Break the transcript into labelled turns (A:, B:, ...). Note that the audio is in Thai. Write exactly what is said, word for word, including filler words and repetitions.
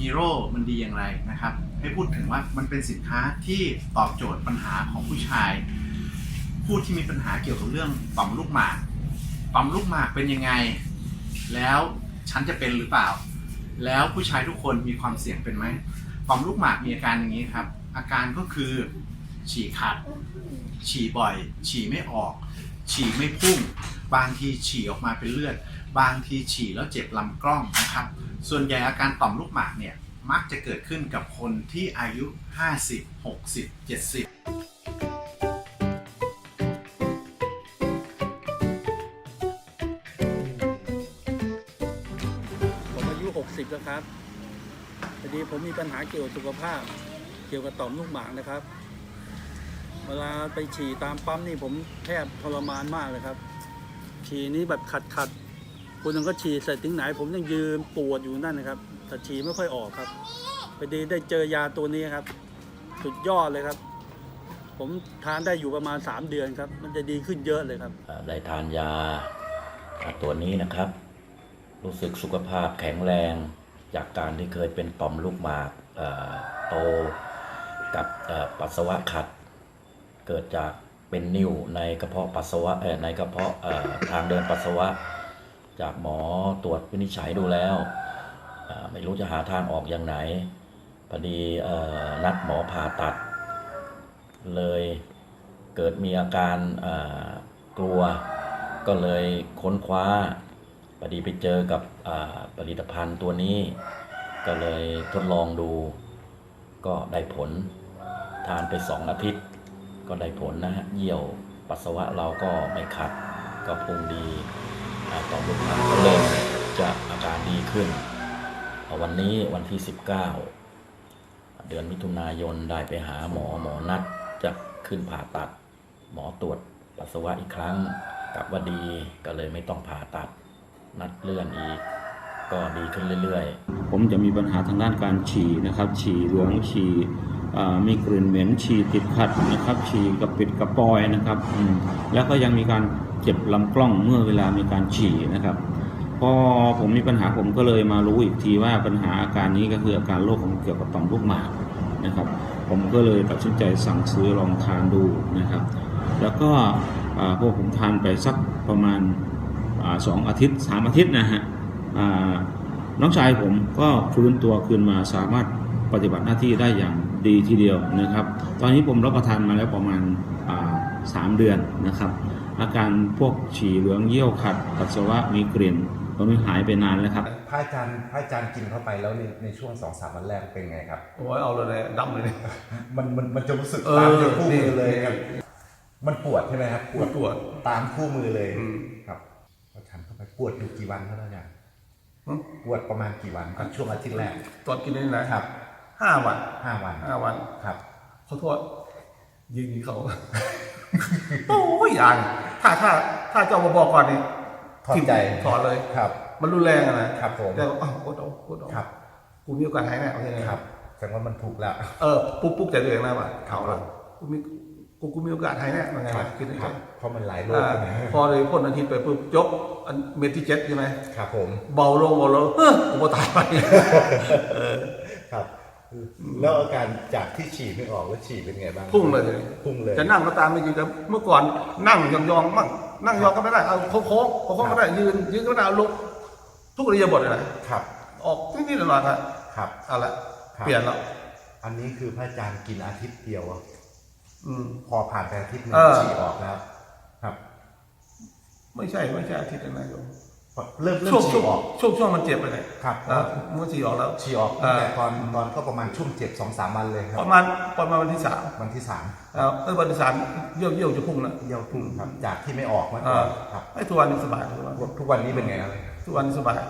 A: ฮีโร่มันดีอย่างไรนะครับให้พูดถึงว่ามันเป็นสินค้าที่ตอบโจทย์ปัญหาของผู้ชายผู้ที่มีปัญหาเกี่ยวกับเรื่องต่อมลูกหมากต่อมลูกหมากเป็นยังไงแล้วฉันจะเป็นหรือเปล่าแล้วผู้ชายทุกคนมีความเสี่ยงเป็นไหมต่อมลูกหมากมีอาการอย่างนี้ครับอาการก็คือฉี่ขัดฉี่บ่อยฉี่ไม่ออกฉี่ไม่พุ่งบางทีฉี่ออกมาเป็นเลือดบางทีฉี่แล้วเจ็บลำกล้องนะครับส่วนใหญ่อาการต่อมลูกหมากเนี่ยมักจะเกิดขึ้นกับคนที่อายุห้าสิบ หกสิบ เจ็ดสิบ
B: ผมอายุหกสิบแล้วครับพอดีผมมีปัญหาเกี่ยวกับสุขภาพเกี่ยวกับต่อมลูกหมากนะครับเวลาไปฉี่ตามปั๊มนี่ผมแทบทรมานมากเลยครับฉี่นี้แบบขัดขัดคุณนึงก็ฉี่เสร็จถึงไหนผมยังยืนปวดอยู่นั่นนะครับแต่ฉี่ไม่ค่อยออกครับพอดีได้เจอยาตัวนี้ครับสุดยอดเลยครับผมทานได้อยู่ประมาณสามเดือนครับมันจะดีขึ้นเยอะเลยครับ
C: ได้ทานยาตัวนี้นะครับรู้สึกสุขภาพแข็งแรงจากการที่เคยเป็นต่อมลูกหมากโตกับปัสสาวะขัดเกิดจากเป็นนิ่วในกระเพาะปัสสาวะในกระเพาะทางเดินปัสสาวะจากหมอตรวจวินิจฉัยดูแล้วไม่รู้จะหาทางออกอย่างไหนพอดีนัดหมอผ่าตัดเลยเกิดมีอาการกลัวก็เลยค้นคว้าพอดีไปเจอกับผลิตภัณฑ์ตัวนี้ก็เลยทดลองดูก็ได้ผลทานไปสองอาทิตย์ก็ได้ผลนะฮะเยี่ยวปัสสาวะเราก็ไม่ขัดก็พุงดีต่อมลูกหมากก็เริ่มจะอาการดีขึ้นวันนี้วันที่สิบเก้าเดือนมิถุนายนได้ไปหาหมอหมอนัดจะขึ้นผ่าตัดหมอตรวจปัสสาวะอีกครั้งกลับว่าดีก็เลยไม่ต้องผ่าตัดนัดเลื่อนอีกก็ดีขึ้นเรื่อยๆ
D: ผมจะมีปัญหาทางด้านการฉี่นะครับฉี่เหลืองฉี่มีกลิ่นเหม็นฉี่ติดขัดนะครับฉี่กระปิดกระปอยนะครับแล้วก็ยังมีการเจ็บลำกล้องเมื่อเวลามีการฉี่นะครับพอผมมีปัญหาผมก็เลยมารู้อีกทีว่าปัญหาอาการนี้ก็คืออาการโรคของเกี่ยวกับต่อมลูกหมากนะครับผมก็เลยตัดสินใจสั่งซื้อลองทานดูนะครับแล้วก็พวกผมทานไปสักประมาณสองอาทิตย์สามอาทิตย์นะฮะน้องชายผมก็ฟื้นตัวคืนมาสามารถปฏิบัติหน้าที่ได้อย่างดีทีเดียวนะครับตอนนี้ผมรับประทานมาแล้วประมาณสามเดือนนะครับอาการพวกฉี่เหลืองเยี่ยวขัดปัสสาวะมีกลิ่นตอนนี้หายไปนานแล้วครับ
E: พระอาจารย์พระอาจารย์กินเข้าไปแล้วในในช่วงสองสามวันแรกเป็นไงครับ
B: โอ้ยเอาเลยดำเลย
E: มันมันมันจะรู้สึกตามคู่มือเลยครับมันปวดใช่ไหมครับ
B: ปวดปวด
E: ตามคู่มือเลยครับพอฉันเข้าไปปวดอยู่กี่วันครับอาจารย์ปวดประมาณกี่วันครับช่วงอาทิตย์แรก
B: ตอนกินนี่นะครับห้าวัน
E: ห้าวัน
B: ห้าวัน
E: ครับ
B: ขอโทษยิงเขาโอ้ยอย่างถ้าถ้าถ้าเจ้ามาบอกก่อนนี่
E: ถอดใจ
B: ถอดเลย
E: ครับ
B: มันรุนแรงนะครับ
E: ผม
B: แต่อ้าวกดเอากดเอา
E: ครับ
B: กูมีโอกาสหายแน่โอเค
E: ครับแสดงว่ามันถูกแล้ว
B: เออปุ๊บปุ๊บแต่เรื่องนะว่าเขาละกูมีกูกูมีโอกาสหายแน่ยังไงคิด
E: ครับเพราะมันหลายโรค
B: พอเลยพ่นอาทิตย์ไปปุ๊บยกเมทที่เจ็ดใช่ไหม
E: ครับผม
B: เบาลงเบาลงเฮ้ยกูตายไป
E: ครับแล้วอาการจากที่ฉี่ไม่ออกแล้วฉี่เป็นไงบ้าง
B: พุ่งเลย
E: พุ่งเลย
B: จะนั่งก็ตามไม่จริงแต่เมื่อก่อนนั่งยองๆมั่งนั่งยองก็ไม่ได้เอาโค้งโค้งโค้งก็ได้ยืนยืนก็ได้ลุกทุกอิริยาบถเลย
E: ครับ
B: ออกนิดๆหน่อยๆครับ
E: ครับ
B: เอาละเปลี่ยนแล้ว
E: อันนี้คือพระอาจารย์กินอาทิตย์เดียว
B: อืม
E: พอผ่านไปอาทิตย์นึงฉี่ออกแล้วครับ
B: ไม่ใช่ไม่ใช่อาทิตย์นึงนะโยม
E: เริ่มเริ่ม
B: ฉี่ออกช่วงช่วงมันเจ็บไปเลย
E: ครับ
B: เมื่อฉี่ออกแล้ว
E: ฉี่ออกแต่ตอนตอนก็ประมาณช่วงเจ็บสองสามวันเลยครับ
B: ประมาณประมาณวันที่สาม
E: วันที่สาม
B: เออวันที่สามเยี่ยวเยี่ยวจะพุ่งนะ
E: เยี่ยวพุ่งครับจากที่ไม่ออกมาก่อนครับ
B: ไอ้ทุกวันนี้สบาย
E: ทุกวันนี้เป็นไงครับ
B: ทุกวันนี้สบาย